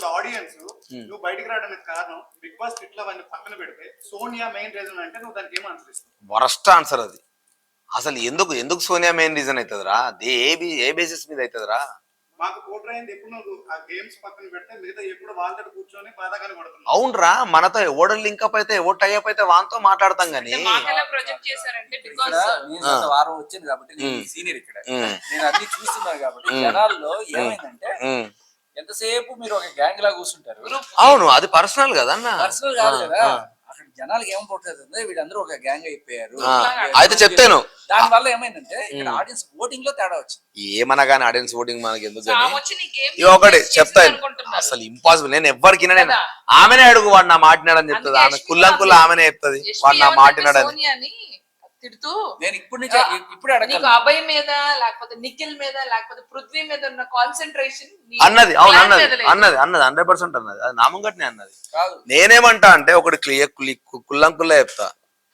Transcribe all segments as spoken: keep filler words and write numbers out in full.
ఇప్పుడు ఆడియన్స్ నువ్వు బయటికి రావడానికి కారణం బిగ్ బాస్ ఇట్లా అవన్నీ పక్కన పెడితే సోనియా మెయిన్ రీజన్ అంటే నువ్వు దానికి ఏం ఆన్సర్ ఇస్తావు? వరస్ట్ ఆన్సర్ అది. అసలు ఎందుకు ఎందుకు సోనియా మెయిన్ రీజన్ అవుతుందిరా? ఏ ఏ బేసిస్ మీద అవుతుందిరా? మాకు పోట్రైంది ఎప్పుడు నువ్వు ఆ గేమ్స్ పక్కన పెడితే మిగతా ఎప్పుడు వాళ్ళతో కూర్చొని బాధాగానే పడుతున్నావు. అవునరా, మనతో ఎవడు లింక్ అప్ అయితే ఎవడు టై అప్ అయితే వాంతో మాట్లాడతాం గానీ వారం వచ్చింది కాబట్టి సీనియర్ ఇక్కడ నేను అన్ని చూస్తున్నాను కాబట్టి జనాల్లో ఏమైందంటే ఎంతసేపు మీరు ఒక గ్యాంగ్ లా కూర్చుంటారు. అవును, అది పర్సనల్ కదా అన్న, పర్సనల్ కాదు కదా. అక్కడ జనాలకి ఏం పోతుంది, వీళ్ళందరూ ఒక గ్యాంగ్ అయిపోయారు. అయితే చెప్తాను, దాని వల్ల ఏమైందంటే ఇక్కడ ఆడియన్స్ ఓటింగ్ లో తేడా వచ్చింది. ఏమన్నా కానీ ఆడియన్స్ ఓటింగ్ మనకి ఎందుకు ఒకటి చెప్తాను, అసలు ఇంపాసిబుల్. నేను ఎవరికి నేను ఆమెనే అడుగు, వాడు నా మాటినాడని చెప్తుంది. ఆమె కుల్లం కుల్ల ఆమెనే చెప్తుంది వాడు నా మాటినాడని. తిడుతూ నేను ఇప్పుడు నుంచి ఇప్పుడు నీకు అభయ్ మీద లేకపోతే నిఖిల్ మీద లేకపోతే పృథ్వీ మీద ఉన్న కాన్సన్ట్రేషన్ అన్నది. అవును అన్నది అన్నది అన్నది హండ్రెడ్ పర్సెంట్ అన్నది. అది నామంగట్నే అన్నది. నేనేమంటా అంటే ఒకటి క్లియర్ కుల్లం కుల్ల చెప్తా.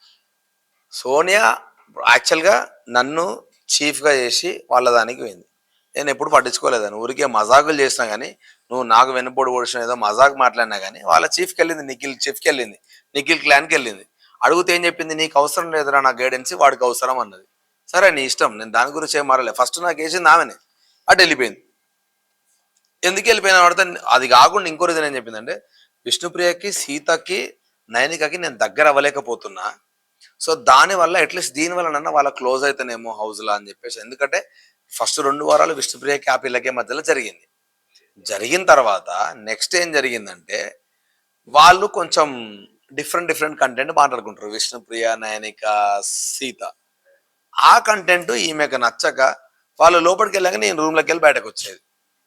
సోనియా యాక్చువల్ గా నన్ను చీఫ్ గా చేసి వాళ్ళ దానికి పోయింది. నేను ఎప్పుడు పట్టించుకోలేదని, ఊరికే మజాకులు చేసినా గానీ, నువ్వు నాకు వెనుపోడు ఓడిసిన ఏదో మజాక్ మాట్లాడినా గానీ, వాళ్ళ చీఫ్కి వెళ్ళింది, నిఖిల్ చీఫ్కి వెళ్ళింది, నిఖిల్ క్లాన్కి వెళ్ళింది. అడిగితే ఏం చెప్పింది, నీకు అవసరం లేదురా నా గైడెన్స్, వాడికి అవసరం అన్నది. సరే నీ ఇష్టం, నేను దాని గురించి ఏం మారలే. ఫస్ట్ నాకు వేసింది ఆమెనే, అటు వెళ్ళిపోయింది. ఎందుకు వెళ్ళిపోయినా పడితే అది కాకుండా ఇంకో రీజన్ ఏం చెప్పిందంటే, విష్ణుప్రియకి సీతకి నయనికకి నేను దగ్గర అవ్వలేకపోతున్నా, సో దానివల్ల అట్లీస్ట్ దీనివల్ల నన్న వాళ్ళ క్లోజ్ అయితేనేమో హౌస్లా అని చెప్పేసి. ఎందుకంటే ఫస్ట్ రెండు వారాలు విష్ణుప్రియకి హ్యాపీలకే మధ్యలో జరిగింది. జరిగిన తర్వాత నెక్స్ట్ ఏం జరిగిందంటే వాళ్ళు కొంచెం డిఫరెంట్ డిఫరెంట్ కంటెంట్ మాట్లాడుకుంటారు, విష్ణుప్రియ నయనిక సీత. ఆ కంటెంట్ ఈమెకు నచ్చక వాళ్ళు లోపలికి వెళ్ళాక నేను రూమ్లోకి వెళ్ళి బయటకు వచ్చేది.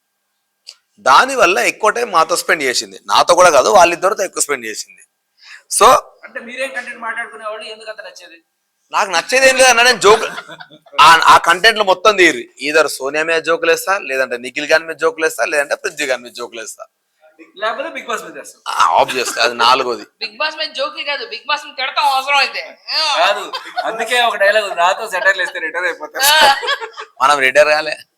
దానివల్ల ఎక్కువ టైం మాతో స్పెండ్ చేసింది, నాతో కూడా కాదు వాళ్ళిద్దరితో ఎక్కువ స్పెండ్ చేసింది. సో అంటే మీరేం కంటెంట్ మాట్లాడుకునే వాళ్ళు ఎందుకు అంత నచ్చేది? నాకు నచ్చేది ఏం లేదన్న, నేను జోక్ ఆ కంటెంట్ లో మొత్తం తీరి ఈధర్ సోనియా మీద జోకులు వేస్తా, లేదంటే నిఖిల్ గారి మీద జోకులు వేస్తా, లేదంటే పృథ్వీ గారి మీద జోకులు వేస్తా, లేకపోతే బిగ్ బాస్ మీద ఆబ్వియస్లీ అది నాలుగోది. బిగ్ బాస్ మీద జోకి కాదు, బిగ్ బాస్ మీద తిడతాం అవసరం అయితే కాదు. అందుకే ఒక డైలాగ్, నాతో సెటైర్లు వేస్తే రిటైర్ అయిపోతారు. మనం రిటైర్ కాలే.